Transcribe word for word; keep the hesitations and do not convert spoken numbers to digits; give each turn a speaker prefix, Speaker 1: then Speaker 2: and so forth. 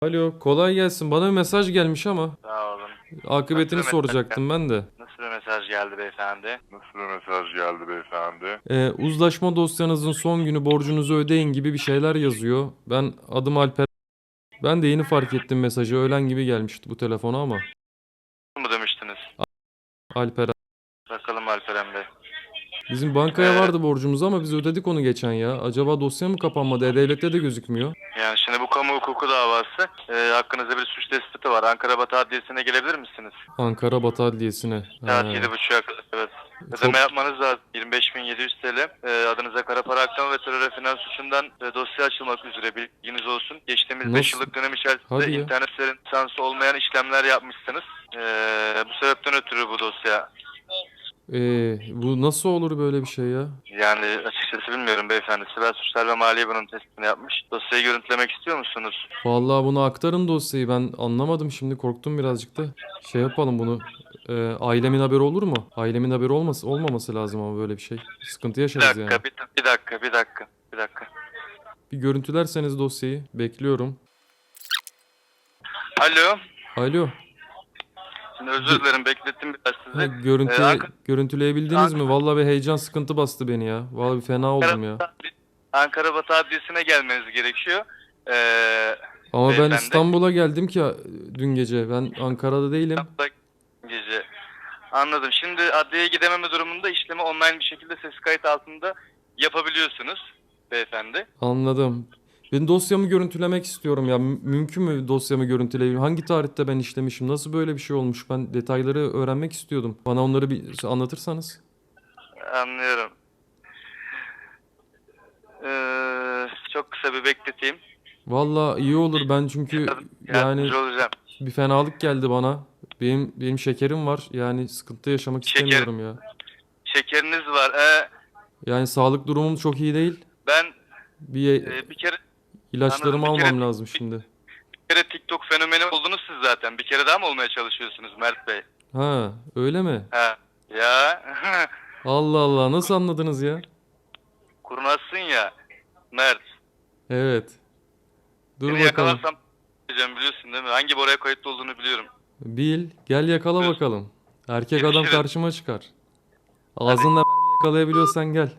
Speaker 1: Alo, kolay gelsin. Bana bir mesaj gelmiş ama
Speaker 2: Sağ olun.
Speaker 1: akıbetini
Speaker 2: Nasıl bir mesaj
Speaker 1: soracaktım ben de.
Speaker 2: Nasıl bir mesaj geldi beyefendi?
Speaker 3: Nasıl bir mesaj geldi beyefendi?
Speaker 1: Ee, uzlaşma dosyanızın son günü borcunuzu ödeyin gibi bir şeyler yazıyor. Ben adım Alper. Ben de yeni fark ettim mesajı. Öğlen gibi gelmişti bu telefona ama.
Speaker 2: mu demiştiniz?
Speaker 1: Alper.
Speaker 2: Bakalım Alperen Bey.
Speaker 1: Bizim bankaya
Speaker 2: Ee,
Speaker 1: vardı borcumuz ama biz ödedik onu geçen ya. Acaba dosya mı kapanmadı? E-Devlet'te de gözükmüyor.
Speaker 2: Yani şimdi bu kamu hukuku davası. E, hakkınızda bir suç tespiti var. Ankara Batı Adliyesi'ne gelebilir misiniz?
Speaker 1: Ankara Batı Adliyesi'ne.
Speaker 2: Saat
Speaker 1: Ha,
Speaker 2: yedi buçuğa kadar. Evet.
Speaker 1: çok
Speaker 2: Ödeme yapmanız lazım. yirmi beş bin yedi yüz T L. E, adınıza kara para aklama ve terör ve finans suçundan e, dosya açılmak üzere bilginiz olsun. Geçtiğimiz beş
Speaker 1: nasıl?
Speaker 2: yıllık dönem içerisinde
Speaker 1: Hadi ya.
Speaker 2: internet sitelerinin lisansı olmayan işlemler yapmışsınız. E, bu sebepten ötürü bu dosya.
Speaker 1: Ee, bu nasıl olur böyle bir şey ya?
Speaker 2: Yani açıkçası bilmiyorum beyefendi. Siber Suçlar ve Maliye bunun tespitini yapmış. Dosyayı görüntülemek istiyor musunuz?
Speaker 1: Vallahi bunu aktarın dosyayı. Ben anlamadım şimdi korktum birazcık da. Şey yapalım bunu. Ee, ailemin haberi olur mu? Ailemin haberi olması olmaması lazım ama böyle bir şey. Sıkıntı
Speaker 2: Bir
Speaker 1: yaşarız yani.
Speaker 2: dakika, bir, bir dakika, bir dakika, bir dakika.
Speaker 1: Bir görüntülerseniz dosyayı bekliyorum.
Speaker 2: Alo.
Speaker 1: Alo.
Speaker 2: Şimdi özür dilerim beklettim biraz
Speaker 1: Ha,
Speaker 2: sizi. Ee,
Speaker 1: görüntü
Speaker 2: Ankara,
Speaker 1: görüntüleyebildiniz mi? Vallahi bir heyecan sıkıntı bastı beni ya. Vallahi bir fena oldum ya.
Speaker 2: Ankara Batı Adliyesi'ne gelmeniz gerekiyor. Ee,
Speaker 1: Ama ben
Speaker 2: beyefendi.
Speaker 1: İstanbul'a geldim ki dün gece. Ben Ankara'da değilim.
Speaker 2: İstanbul'da gece. Anladım. Şimdi adliyeye gidememe durumunda işlemi online bir şekilde ses kayıt altında yapabiliyorsunuz beyefendi.
Speaker 1: Anladım. Ben dosyamı görüntülemek istiyorum ya. Mü- Mümkün mü dosyamı görüntüleyebilirim? Hangi tarihte ben işlemişim? Nasıl böyle bir şey olmuş? Ben detayları öğrenmek istiyordum. Bana onları bir anlatırsanız.
Speaker 2: Anlıyorum. Ee, çok kısa bir bekleteyim.
Speaker 1: Vallahi iyi olur. Ben çünkü yani
Speaker 2: Yardımcı olacağım.
Speaker 1: bir fenalık geldi bana. Benim benim şekerim var. Yani sıkıntı yaşamak
Speaker 2: Şeker,
Speaker 1: istemiyorum ya.
Speaker 2: şekeriniz var. Ee,
Speaker 1: Yani sağlık durumum çok iyi değil.
Speaker 2: ben
Speaker 1: Bir
Speaker 2: e, bir kere
Speaker 1: ilaçlarımı
Speaker 2: anladım. Bir kere
Speaker 1: almam lazım şimdi.
Speaker 2: bir kere TikTok fenomeni oldunuz siz zaten. Bir kere daha mı olmaya çalışıyorsunuz Mert Bey?
Speaker 1: Ha, öyle mi?
Speaker 2: Ha. Ya.
Speaker 1: Allah Allah, nasıl anladınız ya?
Speaker 2: Kurnazsın ya Mert.
Speaker 1: Evet. Dur
Speaker 2: Seni
Speaker 1: bakalım.
Speaker 2: yakalarsam diyeceğim biliyorsun değil mi? Hangi boraya kayıtlı olduğunu biliyorum.
Speaker 1: Bil, gel yakala
Speaker 2: Dur.
Speaker 1: bakalım. Erkek adam
Speaker 2: Görüşürüz.
Speaker 1: karşıma çıkar. Ağzınla mermi yakalayabiliyorsan gel.